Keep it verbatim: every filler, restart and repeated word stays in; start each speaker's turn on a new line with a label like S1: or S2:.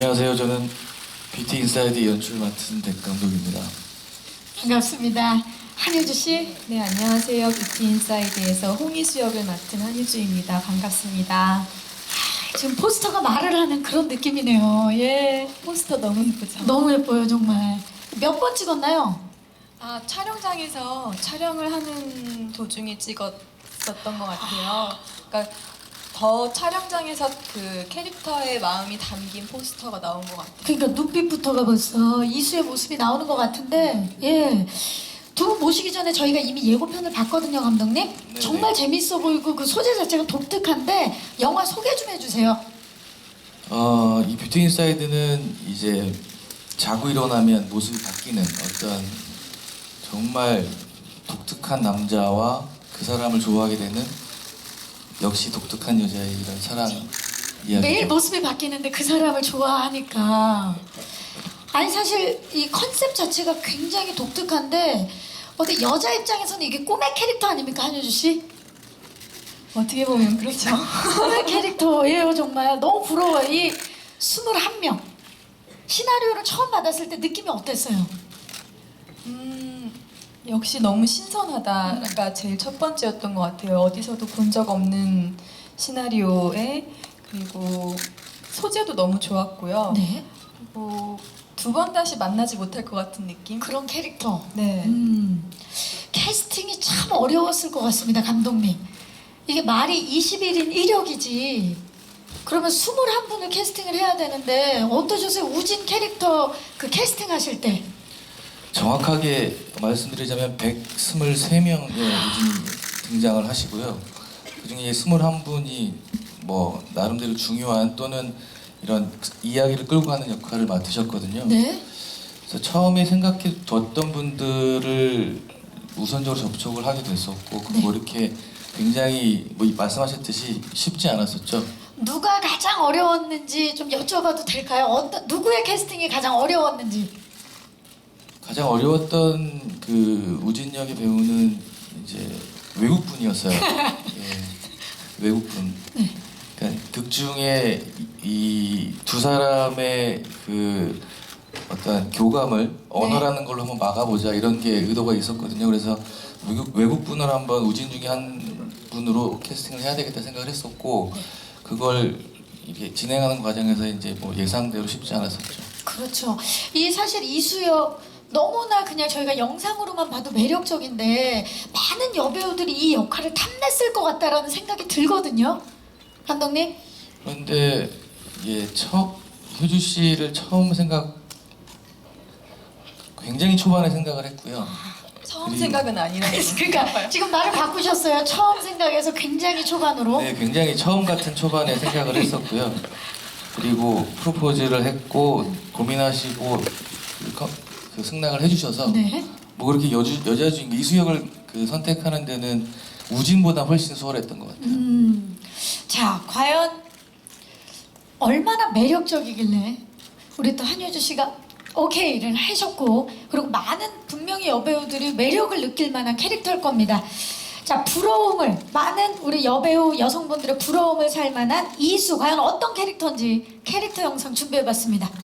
S1: 안녕하세요. 저는 뷰티 인사이드 연출 맡은 백 감독입니다.
S2: 반갑습니다. 한효주 씨.
S3: 네, 안녕하세요. 뷰티 인사이드에서 홍희수 역을 맡은 한유주입니다. 반갑습니다.
S2: 아, 지금 포스터가 말을 하는 그런 느낌이네요. 예,
S3: 포스터 너무 예쁘죠?
S2: 너무 예뻐요 정말. 몇 번 찍었나요?
S3: 아, 촬영장에서 촬영을 하는 도중에 찍었었던 것 같아요. 그러니까 더 촬영장에서 그 캐릭터의 마음이 담긴 포스터가 나온 것 같아요.
S2: 그러니까 눈빛부터가 벌써 이수의 모습이 나오는 것 같은데, 예. 두 분 모시기 전에 저희가 이미 예고편을 봤거든요, 감독님.
S1: 네네.
S2: 정말 재밌어 보이고 그 소재 자체가 독특한데 영화 소개 좀 해주세요.
S1: 어, 이 뷰티 인사이드는 이제 자고 일어나면 모습이 바뀌는 어떤 정말 독특한 남자와 그 사람을 좋아하게 되는 역시 독특한 여자의 이런 사랑 이야기.
S2: 매일 모습이 바뀌는데 그 사람을 좋아하니까. 아니 사실 이 컨셉 자체가 굉장히 독특한데 어때 여자 입장에서는 이게 꿈의 캐릭터 아닙니까, 한효주 씨?
S3: 어떻게 보면 그렇죠.
S2: 꿈의 캐릭터예요 정말. 너무 부러워요. 이 스물한 명 시나리오를 처음 받았을 때 느낌이 어땠어요?
S3: 음, 역시 너무 신선하다가 제일 첫 번째였던 것 같아요. 어디서도 본 적 없는 시나리오에, 그리고 소재도 너무 좋았고요.
S2: 네.
S3: 그리고 두 번 다시 만나지 못할 것 같은 느낌?
S2: 그런 캐릭터.
S3: 네.
S2: 음, 캐스팅이 참 어려웠을 것 같습니다, 감독님. 이게 말이 이십일 인 일 역이지. 그러면 스물한 분을 캐스팅을 해야 되는데 어떠셨어요? 우진 캐릭터 그 캐스팅 하실 때.
S1: 정확하게 말씀드리자면 백이십삼 명의 우진이 등장을 하시고요. 그중에 이십일 분이 뭐 나름대로 중요한 또는 이런 이야기를 끌고 가는 역할을 맡으셨거든요.
S2: 네.
S1: 그래서 처음에 생각해 뒀던 분들을 우선적으로 접촉을 하게 됐었고
S2: 네.
S1: 뭐 이렇게 굉장히 뭐 말씀하셨듯이 쉽지 않았었죠.
S2: 누가 가장 어려웠는지 좀 여쭤봐도 될까요? 어떤 누구의 캐스팅이 가장 어려웠는지.
S1: 가장 어려웠던 그 우진 역의 배우는 이제 외국분이었어요. 예, 외국분.
S2: 네.
S1: 그러니까 극 중에 이 두 사람의 그 어떤 교감을 언어라는 걸로 한번 막아보자 이런 게 의도가 있었거든요. 그래서 외국 외국분을 한번 우진 중에 한 분으로 캐스팅을 해야 되겠다 생각을 했었고 그걸 이게 진행하는 과정에서 이제 뭐 예상대로 쉽지 않았었죠.
S2: 그렇죠. 이 사실 이수역 너무나 그냥 저희가 영상으로만 봐도 매력적인데 많은 여배우들이 이 역할을 탐냈을 것 같다라는 생각이 들거든요. 감독님.
S1: 그런데 예, 처 효주 씨를 처음 생각 굉장히 초반에 생각을 했고요.
S3: 처음
S1: 그리고-
S3: 생각은 아니라고.
S2: 그러니까 지금 말을 바꾸셨어요. 처음 생각해서 굉장히 초반으로.
S1: 네, 굉장히 처음 같은 초반에 생각을 했었고요. 그리고 프로포즈를 했고 고민하시고 그, 커- 그 승낙을 해주셔서
S2: 네.
S1: 뭐 그렇게 여주, 여자 주인공 이수역을 그 선택하는 데는 우진보다 훨씬 수월했던 것 같아요.
S2: 음. 자, 과연 얼마나 매력적이길래 우리 또 한효주 씨가 오케이를 하셨고 그리고 많은 분명히 여배우들이 매력을 느낄 만한 캐릭터일 겁니다. 자, 부러움을 많은 우리 여배우 여성분들의 부러움을 살 만한 이수 과연 어떤 캐릭터인지 캐릭터 영상 준비해봤습니다.